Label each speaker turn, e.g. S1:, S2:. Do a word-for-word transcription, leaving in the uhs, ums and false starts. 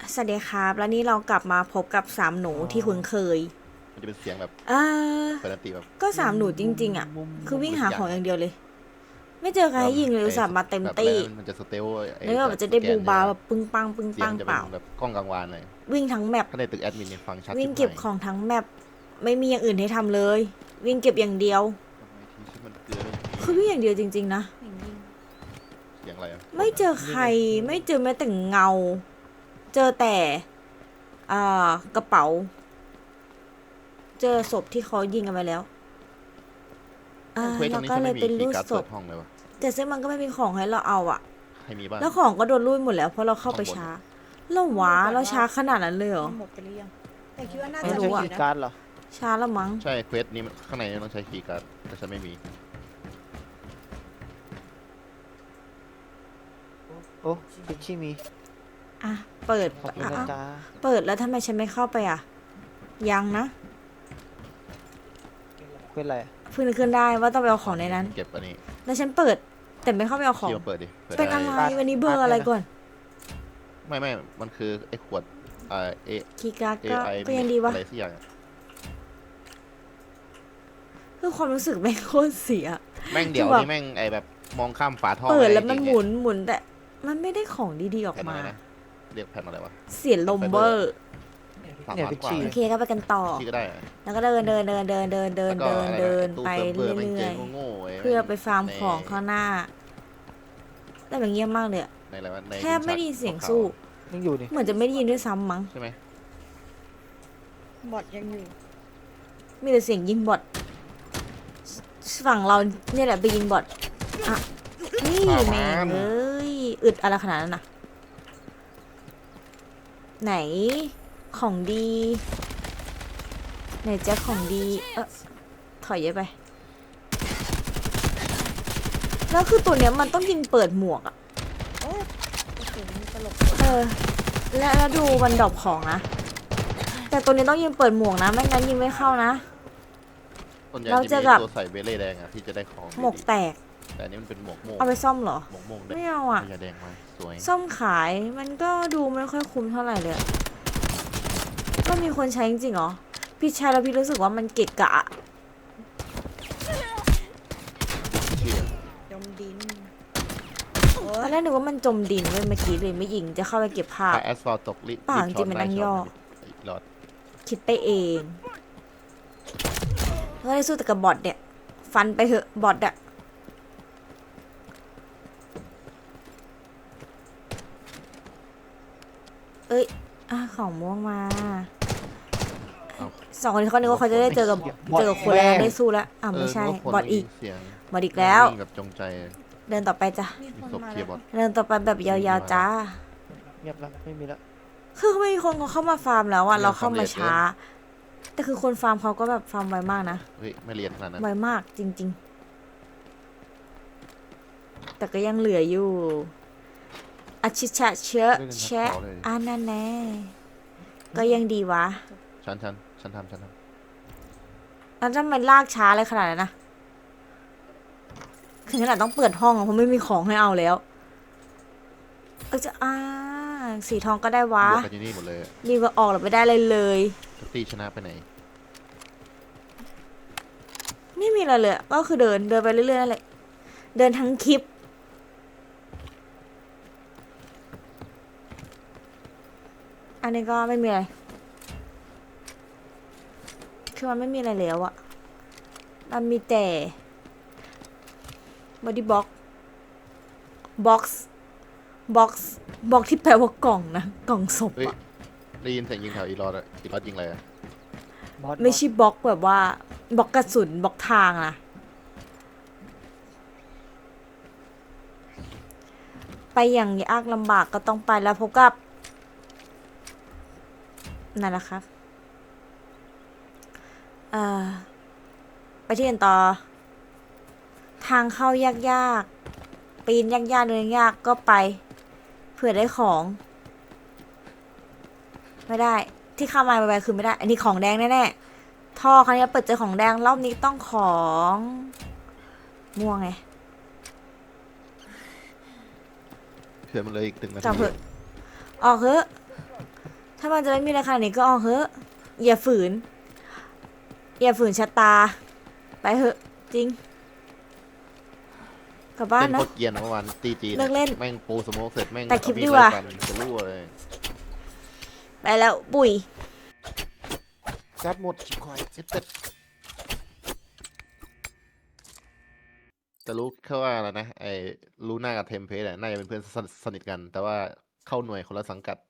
S1: สวัสดีครับแล้วนี่เรากลับมาพบกับสามหนูที่คุ้นเคย
S2: มันจะเป็นเสียงแบบ
S1: เออ
S2: ปกติแบบ
S1: ก็สามหนูจริงๆอ่ะคือวิ่งหาของอย่างเดียวเลยไม่เจอใครให้ยิงเลยอุตส่าห์มาเต็ม
S2: แบบ
S1: ตี้
S2: มันจะสเตลไอ้
S1: แล้วแบบจะได้บูบาแบบปึ้งปังปึ้ง
S2: เสีย
S1: ปั
S2: ง
S1: ง
S2: จะ
S1: เป
S2: เป็น
S1: ล่า
S2: แบบกล้องกลางวานเลย
S1: วิ่งทั้งแมป
S2: ถ้าในตึกแอดมินเนี่ยฟังชัด
S1: วิ่งเก็บของทั้งแมปไม่มีอย่างอื่นให้ทำเลย วิ่งเก็บอย่างเดียวคือวิ่งอย่างเดียวจริงๆนะ
S2: เสียงอะไรอ่ะ
S1: ไม่เจอใครไม่เจอแม้แต่เงา เจอแต่อ่ากระเป๋า เจอศพที่เขายิงกันไปแล้วอ่าเราก็เลยเป็นรูปศพแต่ซึ่งมันก็ไม่มีของให้เราเอาอะแล้วของก็โดนรูดหมดแล้วเพราะเราเข้าไปช้าเราหวาเราช้าขนาดนั้นเลยเหรอ
S3: หมดไปหรือยังแต่คิดว่าน่า
S1: ไม่
S3: จะ
S1: รู้
S3: มี
S1: อะ
S3: อยู่นะ
S4: การ์ดเหรอ
S1: ช้าแล้วมั้ง
S2: ใช่เควสนี้ข้างในต้องใช้คีย์การ์ดแต่ฉันไม่มี
S4: โอ้พิชชี่มี
S1: อ่ะเปิด
S4: ขอบคุณ
S1: อ่ะ
S4: นะ
S1: อ่ะ
S4: จ๊ะ
S1: เปิดแล้วทำไมฉันไม่เข้าไปอ่ะยังนะ
S4: เป็นไรอะ
S1: เพิ่งนึกขึ้นได้ว่าต้องไปเอาของในนั้น
S2: เก็บอันนี้
S1: แล้วฉันเปิดแต่ไม่เข้าไปเอาของ
S2: คีย์มาเปิดดิปิด
S1: เป็น
S2: ได้
S1: อะไรวันนี้เบอร์อะไรก่อน
S2: ไม่ไม่มันคือไอ้ขวดอ่าเอ
S1: คีย์การ์ด
S2: เอ
S1: ก็
S2: ไอ
S1: ก็ยังดีวะ
S2: อะไรสักอย่าง
S1: คือความรู้สึกแม่งโคตรเสีย
S2: แม่งเดี๋ยว
S1: คือแบบ
S2: นี่แม่งไอ้แบบมองข้ามฝาท่อ
S1: เปิดแล้วมัน
S2: จริงๆ
S1: หมุนหมุนแต่มันไม่ได้ของดีๆออก
S2: แผ่น
S1: มา
S2: อะไรนะเรียกแผ่นอะไรวะ
S1: เสียลมเบอร์
S2: สาม
S4: เนี่ย
S2: ล้าน
S4: พิช
S2: กว่า
S4: ชี่
S1: โอเคก็ไปกันต่อ
S2: ที่ก็ได้อะ
S1: แล้วก็เดินเดินเดินเดินเดินเดิน
S2: แล้วก็
S1: เดิน
S2: อะไรนะ
S1: เดิน
S2: ตู้
S1: ไป
S2: เซิร์ฟเวอร์แม่ง
S1: เรื่
S2: เจ
S1: อย
S2: โง่ๆว้
S1: ๆเพื่อไปฟาร์ม
S2: ใน
S1: ของข้างหน้า แต่แบบเงียบมากเลยอะ
S2: ในอะไรวะใน
S1: แทบไม่ได้ยินเสียง
S2: ขาวๆ
S1: สู้
S4: ยังอยู่นี่
S1: เหมือนจะไม่ได้ยินด้วยซ้ำมั้ง
S2: ใช่ไหม
S3: บอดยังอยู่
S1: มีแต่เสียงยิงบอทฝั่งเราเนี่ยแหละไปยิงบอทอ่ะนี่แม่งเอ้ยอึดอะไรขนาดนั้นนะไหนของดีไหนแจ็คของดีเออถอยเยอะไปแล้วคือตัวเนี้ยมันต้องยิงเปิดหมวกอะ
S3: โอ้โอ้โหมีตลก
S1: เออแล้วแล้วดูวันดรอปของนะแต่ตัวนี้ต้องยิงเปิดหมวกนะไม่งั้นยิงไม่เข้านะ
S2: ส่วนใหญ่
S1: เรา
S2: จะ
S1: จะ
S2: มี
S1: กับ
S2: ตัวใส่เบลเล่แดงอะที่จะได้ของ
S1: หมวก
S2: ดี
S1: แตก
S2: ๆแต่อันนี้มันเป็นหมวกโม่ง
S1: เอาไปซ่อมเหรอ
S2: หมวกโม่ง
S1: ไม่เอาอะ
S2: ยาแดงมาสวย
S1: ซ่อมขายมันก็ดูไม่ค่อยคุ้มเท่าไหร่เลยอะก็มีคนใช้จริงๆเหรอ พี่ใช้แล้วพี่รู้สึกว่ามันเกะกะอะ
S2: ชื่อ
S3: ยมดิน
S1: ตอนแรกนึกว่ามันจมดินเว้ยเมื่อกี้เลยไม่ยิงจะเข้าไปเก็บภาพ
S2: ถ้าแอสฟอลตกลิ
S1: เปล่าจริงๆมันนั่งย่อ
S2: อีกหลอด
S1: คิดไปเองก็ได้สู้แต่กับบอทเนี่ย ฟันไปเถอะบอทอะเอ้ยอ่ะของม่วงมาสองคนนี้เขานึกว่าเขาจะได้เจอกับเจอกับคนแล้วได้สู้แล้วอ่ะไม่ใช่
S2: เนึว่าคน
S1: บอทอีก
S2: เสียง
S1: บอทอีกแล้ว
S2: วิ่งแบบจงใจ
S1: เดินต่อไปจ้ะ
S3: มีคน
S2: ศพ
S3: มา
S2: เคลีย
S3: แล้ว
S2: ร์บอท
S1: เดินต่อไปแบบยาวๆจ้า
S4: เงียบแล้วไม่มีแล้ว
S1: คือไม่มีคนเขาเข้ามาฟาร์มแล้วอ่ะ
S2: เดิน
S1: เราเข้ามา
S2: ฟาร์ม
S1: ช้า แต่คือคนฟาร์มเขาก็แบบฟาร์มไวมากนะ
S2: เฮ้ยไม่เรียนขนาดนั้น
S1: ไวมากจริงๆ แต่ก็ยังเหลืออยู่อาชิชะเชอะแชะอันนั้นแน่ก็ยังดีวะ
S2: ฉันฉันฉันทำฉันท
S1: แล้วทำไมลากช้าอะไรขนาดนั้นนะถึงขนาดต้องเปิดห้องอะเพราะไม่มีของให้เอาแล้วเออจะอ่าสีทองก็ได้
S2: ำ
S1: วะ
S2: บวกกันที่นี่หมดเลยอะ
S1: รีบออกหรือไม่ได้เลยเลย
S2: ตีชนะไปไหน
S1: ไม่มีอะไรเลยอะก็คือเดินเดินไปเรื่อยๆนั่นแหละเดินทั้งคลิป อันนี้ก็ไม่มีอะไรคือมันไม่มีอะไรแล้วอะมันมีแต่ body box box box box ที่แปลว่ากล่องนะ กล่องศพ
S2: เฮ้ย
S1: อะ
S2: ได้ยินเสียงยิงแถวอีรอดอะอีรอดยิงอะไรอะ
S4: บอส
S1: ไม่ใช่บล็อกแบบว่าบล็อกกระสุนบล็อกทางนะไปอย่างยากลำบากก็ต้องไปแล้วพบกับนั่นแหละครับเอ่อไปที่อื่นต่อ ทางเข้ายากๆปีนยากๆเดินยากก็ไปเผื่อได้ของ ไม่ได้ที่เข้ามาไปๆคือไม่ได้ อันนี้ของแดงแน่ๆท่อครั้งนี้เปิดเจอของแดงรอบนี้ต้องของม่วงไง
S2: เผื่อมันเลยอีกตึงนาที
S1: จับเถอะออกเถอะถ้ามันจะไม่มีราคานี้ก็เอาเถอะอย่าฝืน อย่าฝืนชะตา ไปเถอะ จริง กลับบ้าน
S2: เล่น
S1: นะ
S2: โคตรเกรียนเมื่อวานตีจี
S1: เลิกเล่น
S2: แม่งปูสโมกเสร็จแม่ง
S1: แต่คลิป
S2: เอามี
S1: ดีกว่า
S2: ไล่ฟันจะรั่วเลย
S1: ไปแล้วปุ๋ย
S2: จัดหมดชิบคอยเจ็ดเป็ดแต่รู้แค่ว่าอะไรนะไอ้ลูน่ากับเทมเพสน่าจะเป็นเพื่อนสนิทสนิทกัน แต่ว่าเข้าหน่วยคนละสังกัด